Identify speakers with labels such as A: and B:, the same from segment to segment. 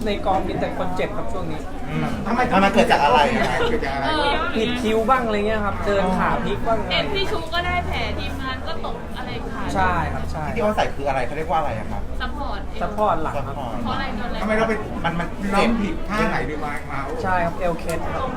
A: ในกองมีแต่คนเจ็บครับช่วงนี้
B: ทำไมมันเกิดจากอะไรเกิดจากอะไร
A: ผิดคิวบ้างอะไรเงี้ยครับเดินขาพลิกบ้าง
C: เห็นพี่ชูก็ได้แผลทีมงานก็ตกอะไรขา
A: ใช่ครับใช่
B: ที่เขาใส่คืออะไรเขาเรียกว่าอะไรอะครับ
C: ซัพพอร์ต
A: ซัพพอร์ตหลังครับ
C: เพราะอะไรโดนอะไร
D: ทำไมเราไป
B: มัน
D: เราผิดท่าไหนดีมา
A: ใช่ครับเอลเคสครับ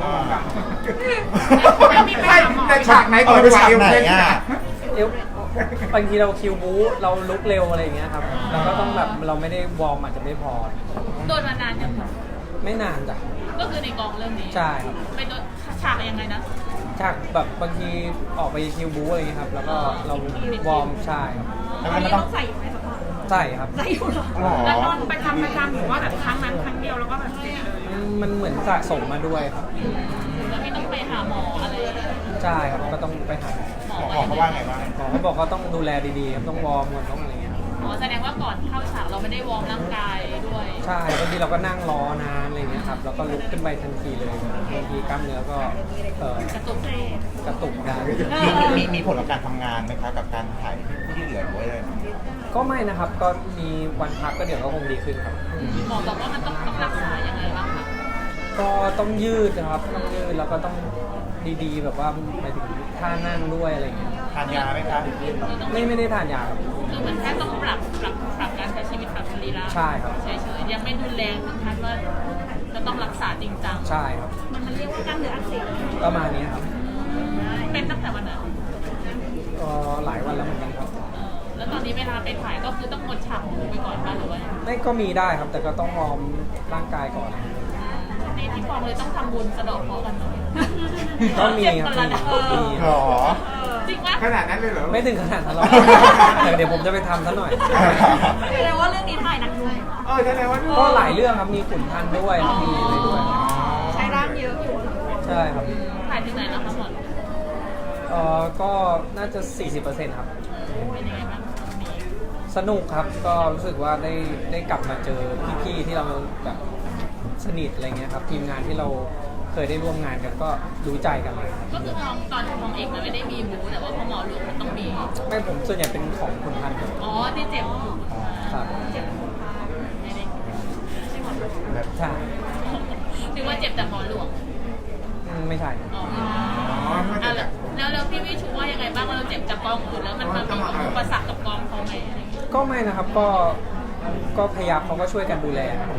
D: ไม่ในฉากไหนก่อน
B: ไปฉากไหนอ่ะ
A: เอลบางทีเราคิวบู๊เราลุกเร็วอะไรอย่างเงี้ยครับเราก็ต้องแบบเราไม่ได้วอร์มอาจจะไม่พอ
C: โดนมานานยัง
A: ไม่นานจ้ะ
C: ก็คือในกองเรื่องนี้
A: ใช่ครับ
C: ไปโดนฉากยังไงนะ
A: จากแบบบางทีออกไปคิวบู๊อะไรเงี้ยครับแล้วก็เราวอร์มใช่ครับ
B: แล้วมันต้อง
E: ใส่อยู่ไหมสปอร์ต
A: ใช่ครับ
E: ใส่อยู่เหรอ
B: หรอ
E: แล้วนอนประจำหรือว่าแบบครั้งนั้นครั้งเดียวแล้วก็แบบเจ็บเลย
A: มันเหมือนสะสมมาด้วยครับ
C: แล้วไม่ต้องไปหาหมออะไร
A: ใช่ครับก็ต้องไปหา
C: หมอ
B: หมอเขาว่าไงบ้าง
A: หมอเขาบอกว่าต้องดูแลดีๆครับต้องวอร์มก่อนต้องอะไรเงี้ย
C: หมอแสดงว่าก่อนเข้าฉากเราไม่ได้วอร์มร่างกายด้วย
A: ใช่บางทีเราก็นั่งรอนานอะไรเงี้ยครับแล้วก็ลุกขึ้นไปทันทีเลยบางทีกล้ามเนื้อก็
C: กระตุก
A: กระตุกได้
B: มีผลกับการทำงานไหมครับกับการถ่ายที่เหลือไว้เลย
A: ก็ไม่นะครับก็มีวันพักก็เดี๋ยวก็คงดีขึ้นครับ
C: หมอบอกว่ามันต้องรักษายังไงบ้างคะ
A: ก็ต้องยืดนะครับต้องยืดแล้วก็ต้องดีๆแบบว่าหมายถึงท่านั่งด้วยอะไรเงี้ย
B: ทานยาไหมครับ
A: ไม่ได้ทานยาครับ
C: คือเหมือนแค่ต้องปรับการใช้ชีวิตปรับสรีระ
A: ใช่ครับ
C: เฉยๆยังไม่รุนแรงถึงขั้นว่าจะต้องรักษาจริงจัง
A: ใช่ครับ
E: มันเรียกว่ากล้ามเนื้ออักเสบ
A: ประมาณนี้ครับ
C: เป็นตั้งแต่วันไหน
A: หลายวันแล้วเหมือนกันครับ
C: แล้วตอนนี้เวลาไปถ่ายก็คือต้องงดฉากหมูไปก่อนป่ะหรือว่า
A: ไม่ก็มีได้ครับ แต่ก็ต้องวอร์มร่างกายก่อน
C: ในที่กองเลยต้องทำบุญสะเดอกเคราะห์กันหน่อย
A: ก็มีครับ
C: เจ็บคนละนะ
A: มี
B: หรอ
C: จริงปะ
D: ขนาดนั้นเลยเหรอ
A: ไม่ถึงขนาดนั้นหรอกแต่เดี๋ยวผมจะไปทำซะหน่อย
E: แสดงว่าเรื่องนี้ถ่ายหนักหน่วง
D: แสดงว่า
A: ก็หลายเรื่องครับมีขุนพันธ์ด้วยมีอะไรด้วย
E: ใช้ร่างเยอะอยู่
A: ใช่ครับ
C: ถ่ายถึงไหนแล้วคะหมด
A: ก็น่าจะ 40%ครับ
C: เป็นยังไงบ้างมี
A: สนุกครับก็รู้สึกว่าได้กลับมาเจอพี่ๆที่เราแบบสนิทอะไรเงี้ยครับทีมงานที่เราเคยได้ร่วมงานกันก็รู้ใจกันเลย
C: ก็คือตอนของเอกมันไม่ได้มีบูแต่ว่าพอหมอหลวงมันต้องมี
A: ไม่ผมส่วนใหญ่เป็นของขุนพันธ์ครับ
C: อ๋อที่เจ็บ
A: ครับ
C: ไม่ได้ใช่หมอหลวง
A: ใช่
C: นึกว่าเจ็บแต่หมอหลวง
A: ไม่ใช่
C: อ๋อแล้วพี่วิชูว่ายังไงบ้างว่าเราเจ็บจากกองอื่นแล้วมันมีอุปสรรคกับกองเขาไหมอะไรอย่างเงี้ย
A: ก็ไม่นะครับก็พยายามเขาก็ช่วยกันดูแลครับ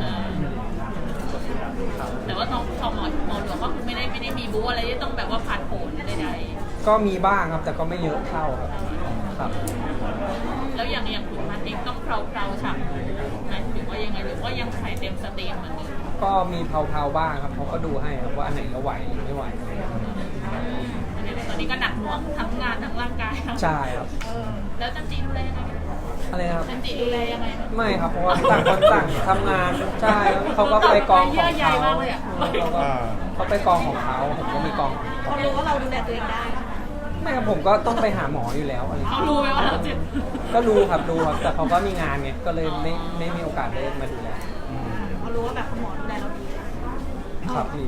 C: แต่ว่าน้องหมอหลวงก็คือไม่ได้มีบูอะไรที่ต้องแบบว่าผ่านโผล่ใด
A: ก็มีบ้างครับแต่ก็ไม่เยอะเท่าครับ
C: ๆแล้วอย่างขุนพันธ์เองต้องเพลาฉากไหมหรือว่ายังไงหรือว่ายังถ่ายเต็มสตรีมเหมือนเดิม
A: ก็มีเผาๆบ้างครับเขาก็ดูให้ครับว่าอันไหนเราไหวหรือไม่ไหว
C: ตอนนี้ก็หนักหน่วงทั้งงานทั้งร่างกาย
A: ใช่ครับ
C: แล้วจันจีดูแลยังไง
A: อะไรนะครับ
C: จันจีดูแลยังไง
A: ไม่ครับเพราะว่าต่างคนต่างทำงานใช่เขาก็ไปกองของเขาเขาไปกองของเขาผมก็มีกอง
E: เขารู้ว่าเราดูแลตัวเองได้
A: ไม่ครับผมก็ต้องไปหาหมออยู่แล้วอะไร
C: เขารู้ไหมว่าเราเจ็บ
A: ก็รู้ครับแต่เขาก็มีงานไงก็เลยไม่มีโอกาสได้มาดูแล
E: เขารู้ว่าแบบหมอดูแลเราดี
A: ครับพี่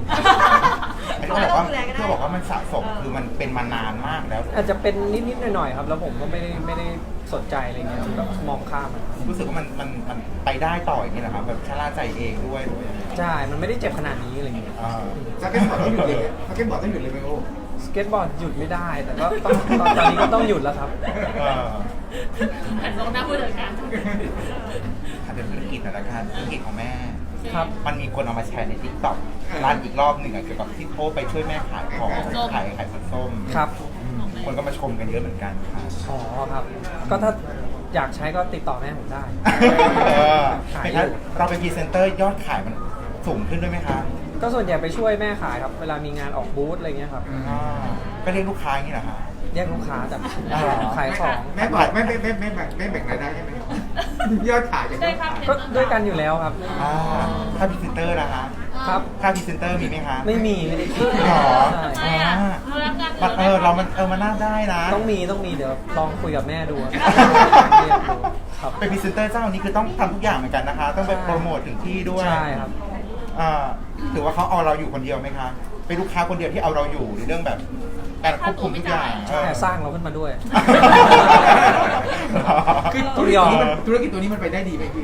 B: เขาบอกว่ามันสะสมคือมันเป็นมานานมากแล้ว
A: อาจจะเป็นนิดๆหน่อยๆครับ แล้วผมก็ไม่ได้สนใจอะไรเงี้ยแบบมองข้ามมัน
B: รู้สึกว่ามันไปได้ต่ออย่างนี้นะครับแบบชะล่าใจเองด้วย
A: ใช่มันไม่ได้เจ็บขนาดนี้อะไรเงี้ย
D: สเก็ตบอร์ดต้องหยุดเลยสเก็ตบอร์ดต้องหยุดเลยไหมโอ้
A: สเก็ตบอร์ดหยุดไม่ได้ แต่ก็ต้องตอนนี้ก็ต้องหยุดแล้วครับ
C: หันมองหน้าผู้จัดการ
B: ถ้าเป็นธุรกิจนะครับธุรกิจของแม่
A: ครับ
B: มันมีคนเอามาแชร์ในทิกต็อกร้านอีกรอบหนึ่งเกี่ยวกับที่โทรไปช่วยแม่ขายของขายผลส้ม
A: ครับ
B: คนก็มาชมกันเยอะเหมือนกันค่ะ
A: อ๋อครับ ก็ถ้าอยากใช้ก็ติดต่อแม่ผมได้
B: เป็นงั้นเราเป็นพรีเซนเตอร์ยอดขายมันสูงขึ้นด้วยไหมคะ
A: ก็ส่วนใหญ่ไปช่วยแม่ขายครับ เวลามีงานออกบูธอะไรเงี้ยครับ
B: ก็เรียกลูกค้าอย่างนี้เหรอคะ
A: แยกลูกค้าแต่ขายของ
D: แม่บอกไม่แบ่งรายได้ใช่ไหมยอดขายอย่าง
C: ได้
D: เดียว
C: ครับ
A: ก็ด้วยกันอยู่แล้วครับ
B: ค่าพรีเซนเตอร์นะคะ
A: ครับ
B: ค่าพรีเซนเตอร์มีไหมคะ
A: ไม่ได้คิด
B: หรอ
A: ใช่
C: ทำไมอ่ะเรารับงาน
B: มันน่าได้นะ
A: ต้องมีเดี๋ยวลองคุยกับแม่ดูครับเรียกดูครับ
B: เป็นพรีเซนเตอร์เจ้านี้คือต้องทำทุกอย่างเหมือนกันนะคะ ต้องไปโปรโมทถึงที่ด้วย
A: ใช่ครับ
B: ถือว่าเขาเอาเราอยู่คนเดียวไหมคะเป็นลูกค้าคนเดียวที่เอาเราอยู่ในเรื่องแบบการควบคุมทุกอย่าง
A: ใช่สร้างเราขึ้นมาด้วย
D: คือ
A: ต้องยอม
D: ธุรกิจตัวนี้มันไปได้ดีไหมพี่โอ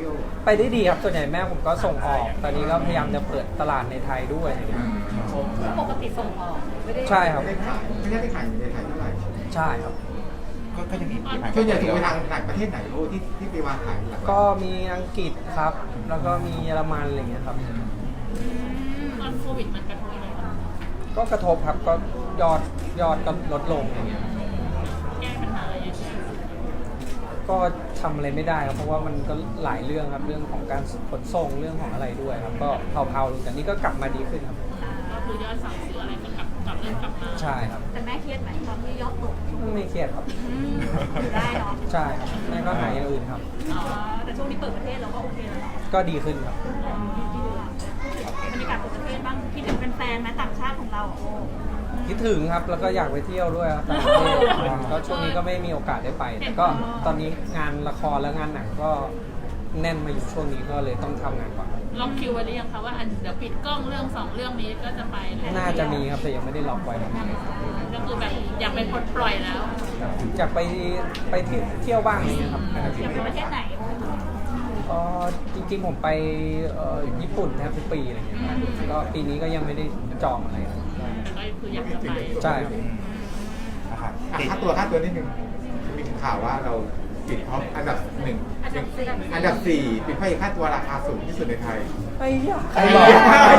A: ไปได้ดีครับส่วนใหญ่แม่ผมก็ส่งออก ตอนนี้ก็พยายามจะเปิดตลาดในไทยด้วยอะไรเงี้ย
F: ปกติส่งออกไม่ได้
A: ใช่ครับ
D: ไม่ได้ขายไม่ได้ขายอยู่ในไทยเท่าไหร่
A: ใช่ครับ
B: ก็ยังมีขาย
D: ส่วนใหญ่ถูกไปทางต่างประเทศไหนโอ้ที่ไปวางขายหลัก
A: ก็มีอังกฤษครับ แล้วก็มีเยอรมันอะไรเงี้ยครับ
C: ตอนโควิดมันกระทบอะไรบ้าง
A: ก็กระทบครับก็ยอดก็ลดลงอย่างเงี้ย
C: แก้ปัญหาอะไรยังไง
A: ก็ทำอะไรไม่ได้ครับเพราะว่ามันก็หลายเรื่องครับเรื่องของการขนส่งเรื่องของอะไรด้วยครับก็เผาๆลงแต่นี่ก็กลับมาดีขึ้นครับ
C: ก็คือยอดสั่งซื้ออะไรก็เริ่มกลับมา
A: ใช่ครับ
F: แต่แม่เครียดไหมตอนที่ยอดตก
A: ไม่เครียดครับ
F: อยู่ได้เนาะ
A: ใช่ครับแม่ก็หาอย่างอื่นครับ
F: อ๋อแต่ช่วงนี้เปิดประเทศเราก็โอเคแล้วเนาะ
A: ก็ดีขึ้นครับ
F: บรรยากาศเปิดประเทศบ้างคิดถึงแฟนๆไหมต่างชาติของเราโอ้
A: คิดถึงครับแล้วก็อยากไปเที่ยวด้วยครับต่างประเทศก็ช่วงนี้ก็ไม่มีโอกาสได้ไป แต่ก็ตอนนี้งานละครและงานหนังก็แน่นมาอยู่ช่วงนี้ก็เลยต้องทำงานก่อน
C: ล็อกคิวไว้หรือยังคะว่าเดี๋ยวปิดกล้องเรื่อง2เรื่องนี้ก็จะไปเลย
A: น่าจะมีครับแต่ยังไม่ได้ล็อกไว้ครับ
C: ก็คือแบบอยากไปปลดปล่อยแล้ว
A: อยากไปเที่ยวบ้างอย่างเงี้ยครับ
F: อยากไปประเทศไหน
A: จริงๆผมไปญี่ปุ่นแทบทุกปีอะไรเงี้ยก็ปีนี้ก็ยังไม่ได้จองอะไรครับ
C: แต่ก็คืออยากจะไป
A: ใช่ครับ
B: นะครับ
D: ค่าตัวนิดนึงมีข่าวว่าเราติดท็อปอันดับ1อันดับ4เป็นพระเอกค่าตัวราคาสูงที่สุดในไทย
A: ไอ้ยาใครบอก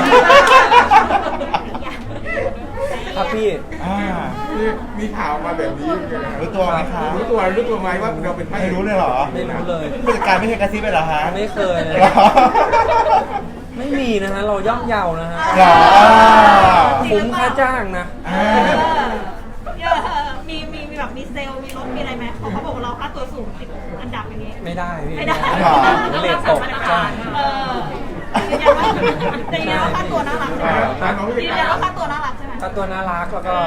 A: ครับพี่
D: มีข่าวมาแบบนี้
B: รู้ตัวไหมคะ
D: รู้ตัวไหมว่าเราเป็นพระเอ
B: ไม่
D: ก
B: รู้เลยเหรอ
A: ไม่รู้เลย
B: ผู้จัดการไม่เคยกระซิบเลยเหรอฮะ
A: ไม่เคยเลย
B: หรอ
A: ไม่มีนะฮะเราย่อมเยานะฮะ
B: หรอ
A: คุ้มค่าจ้างนะ
B: อ่า
F: มีแบบมีเซลล์มีรถมีอะไรไหมเขาบอกว่าเราค่าตัวสูงติดอันดับอย่างนี้
A: ไม่ได้พี่
F: ไม่ได้
A: เลทตกใช่
F: ยืนยันว่าค่าตัวน่ารักใช่ไหมยืนยันว่าค่าตัวน่ารักใช่ไหม
A: ถ้าตัวน่ารักแล้วก็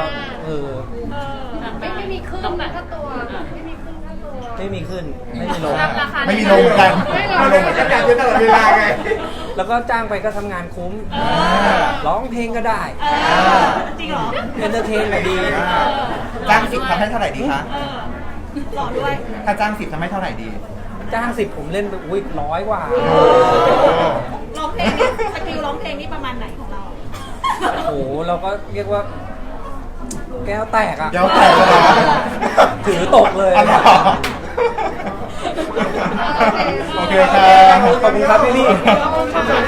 F: ไม่มีขึ้นค่าตัวไม่มีขึ้นค่าตัว
A: ไม่มีขึ้นไม่มีลง
C: ราคา
B: ไม่มีลงเหมือนกัน
D: มาลงมันจะจัดอยู่ตลอดเวลาไง
A: แล้วก็จ้างไปก็ทำงานคุ้มร้องเพลงก็ได้
F: จริงเหรอ
A: เอนเตอร์เทนก็ดี
B: จ้าง10ทำให้เท่าไหร่ดีคะ
F: หล่อด้วย
B: ถ้าจ้าง10ทำให้เท่าไหร่ดี
A: จ้าง10ผมเล่นไปอุ้ย100 กว่า
F: ร้องเพลงนี่สกิลร้องเพลงนี่ประมาณไหนของเรา
A: โอ้โหเราก็เรียกว่าแก้วแตกอ่ะ
B: แก้วแตกเลยเหรอ
A: ถือตกเลย
B: อ๋อเหรอโอเคครับ
A: ขอบคุณครับพี่